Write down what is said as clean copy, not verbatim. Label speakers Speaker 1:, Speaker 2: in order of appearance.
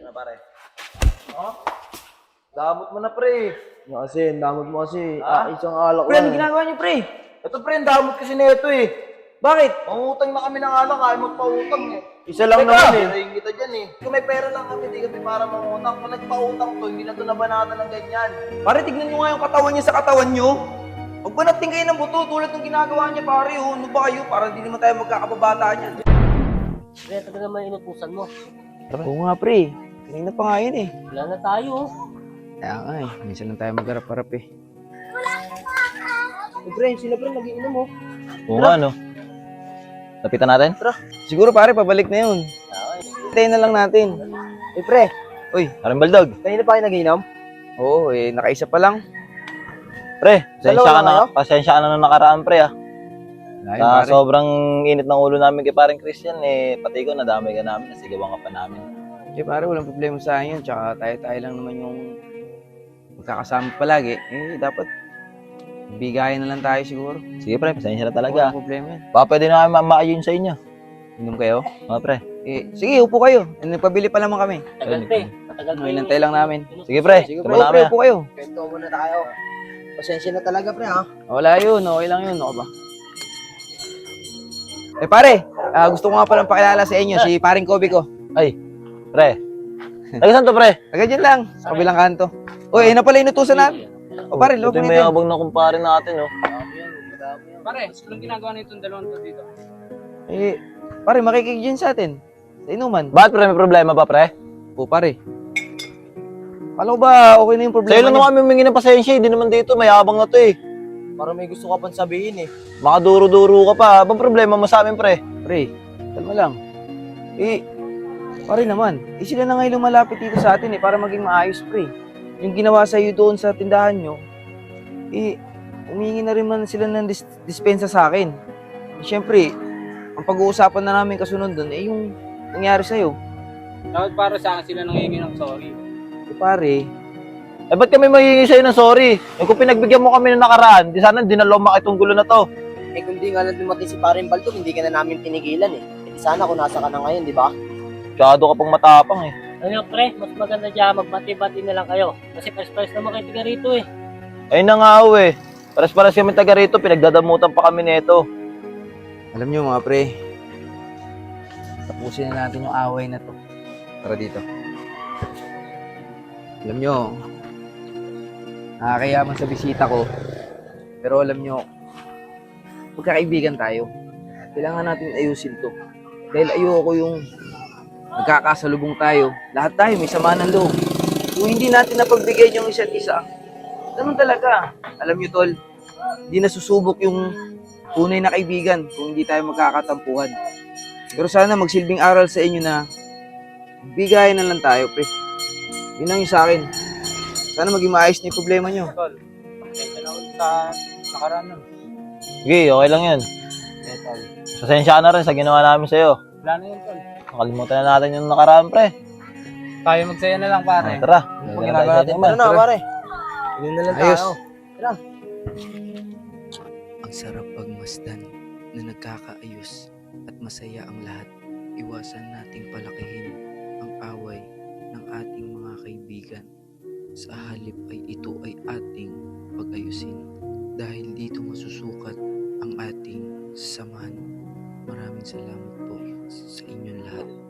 Speaker 1: Ano pare? Oh? Damot mo na pre.
Speaker 2: Kasi, damot mo kasi. Isang alak
Speaker 1: Pre, ano
Speaker 2: lang.
Speaker 1: ginagawa niyo pre? Ito pre, ang damot kasi nito eh.
Speaker 2: Bakit?
Speaker 1: Mangutang na kami ng alak, ayaw magpautang eh.
Speaker 2: Isa lang
Speaker 1: Teka,
Speaker 2: naman eh.
Speaker 1: hirahin kita dyan eh. Kung may pera lang kami, di kami para mangutang. Kung nagpautang to, hindi na to nabanatan ng ganyan. Pare, tignan nyo nga yung katawan niya sa katawan nyo. Huwag ba natin kayo ng buto tulad ng ginagawa niya pare oh. Ano ba kayo? Para di naman tayo magkakababata niyan.
Speaker 3: Pre, taga naman inutusan mo.
Speaker 2: Oo nga pre. Kanina pa nga yun eh.
Speaker 3: Wala na tayo.
Speaker 2: Kaya nga eh. Minsan lang tayo magharap-harap eh.
Speaker 1: Pre, sila pre, nag-iinom oh.
Speaker 4: Oo nga, no? Lapitan natin?
Speaker 2: Siguro pare, pabalik na yun. Hintayin na lang natin.
Speaker 1: Pre,
Speaker 2: Uy,
Speaker 4: Parang baldog.
Speaker 1: kanina pa kayo nag-iinom?
Speaker 2: oo eh. Nakaisa pa lang.
Speaker 4: Pre,
Speaker 1: Dalawa lang
Speaker 4: pasensya ka na nung nakaraan, pre, ah.
Speaker 2: Ayun,
Speaker 4: Sa
Speaker 2: pare.
Speaker 4: sobrang init ng ulo namin kay paring Christian, eh, pati ko, nadamay ka namin, nasigawan ka pa namin.
Speaker 2: Eh pare, walang problema sa akin yun. Tsaka tayo-tayo lang naman yung magkakasama palagi. Eh, dapat bigayan na lang tayo siguro.
Speaker 4: Sige, pre, pasensya na talaga.
Speaker 2: Walang problema yan.
Speaker 4: Baka pwede na kami maayon sa inyo.
Speaker 2: Inom kayo?
Speaker 4: Mga pre.
Speaker 2: Eh, sige, upo kayo. Nagpabili pa naman kami.
Speaker 3: Tagal pre. Matagal pa
Speaker 2: Inantay lang namin.
Speaker 4: Sige, pre.
Speaker 2: Sige,
Speaker 4: Tama
Speaker 2: pre,
Speaker 4: namin,
Speaker 2: pre,
Speaker 4: ah.
Speaker 2: upo kayo.
Speaker 1: Kwento muna tayo. Pasensya na talaga pre ha.
Speaker 2: Wala yun, okay lang yun. Ako ba? Eh pare, gusto ko nga palang pakilala sa inyo, si paring Kobe ko.
Speaker 4: Ay, pre. Taga saan to, pre?
Speaker 2: Agad dyan lang, sa kabilang kanto. Uy, ayun na pala inutusan natin. O pare,
Speaker 4: Ito
Speaker 2: loob
Speaker 4: yung
Speaker 2: mo natin.
Speaker 4: mayabang na kumpare natin, oh.
Speaker 5: Pare, anong ginagawa nitong dalawang to dito?
Speaker 2: Eh, pare, makikig dyan sa atin. Sa inuman.
Speaker 4: Bakit, pre? May problema ba, pre?
Speaker 2: O pare. Kala ko ba okay na yung problema
Speaker 4: Sa'yo lang
Speaker 2: niyo?
Speaker 4: naman kami humingi ng pasensya, hindi naman dito, mayabang na to, eh.
Speaker 1: Para may gusto ka pang sabihin eh.
Speaker 4: Makaduro-duro ka pa. Abang problema mo sa amin, pre?
Speaker 2: Pre, kalma lang. Eh, pare naman, sila na ngayon lumalapit dito sa atin para maging maayos, pre. Yung ginawa sa iyo doon sa tindahan nyo, humingi na rin man sila ng dispensa sa akin. Siyempre, ang pag-uusapan na namin kasunod doon, yung nangyari sa'yo.
Speaker 5: Dapat para sa akin sila nangihingi ng sorry.
Speaker 2: Eh, pare,
Speaker 4: Eh, ba't kami magiging sa'yo ng sorry? Eh, kung pinagbigyan mo kami ng nakaraan, di sana dinaloma itong gulo na to.
Speaker 1: Eh kung di nga lang dumating si Paring Baldog, hindi ka na namin tinigilan eh. Eh di sana kung nasa ka na ngayon, di ba?
Speaker 4: Masyado ka pang matapang, eh.
Speaker 3: Ano pre, mas maganda dyan, magbati-bati na lang kayo. Kasi pares-pares naman kayo tiga rito eh.
Speaker 4: Ayun na nga, eh. Paras-paras kami taga rito, pinagdadamutan pa kami nito.
Speaker 2: alam nyo mga pre, tapusin na natin yung away na to. Tara dito. Alam nyo, nakakayaman sa bisita ko, pero alam nyo, magkakaibigan tayo. Kailangan natin ayusin to. Dahil ayoko yung nagkakasalubong tayo. Lahat tayo may sama ng loob. Kung hindi natin napagbigay yung isa't isa, ganun talaga. Alam nyo tol, hindi nasusubok yung tunay na kaibigan kung hindi tayo magkakatampuhan. Pero sana magsilbing aral sa inyo na bigayan na lang tayo, pre. Yun lang yung sa akin. Sana maging maayos na yung problema nyo.
Speaker 5: Tol, pasensya na ulit sa nakaraan nun.
Speaker 4: Sige, okay lang yan.
Speaker 5: Eh, tol.
Speaker 4: Pasensya ka na rin sa ginawa namin sa'yo.
Speaker 5: Wala na yun, tol.
Speaker 4: Nakalimutan na natin yung nakaraan, pre.
Speaker 5: Tayo magsaya na lang, pare.
Speaker 4: Tara.
Speaker 1: Ano ginagawa natin? Tara na pare. Yun na lang
Speaker 2: Ayos.
Speaker 1: tayo.
Speaker 6: Ang sarap pagmasdan na nagkakaayos at masaya ang lahat. Iwasan nating palakihin ang away ng ating mga kaibigan. Sa halip ay ito ay ating pag-ayusin dahil dito masusukat ang ating samahan. Maraming salamat po sa inyong lahat.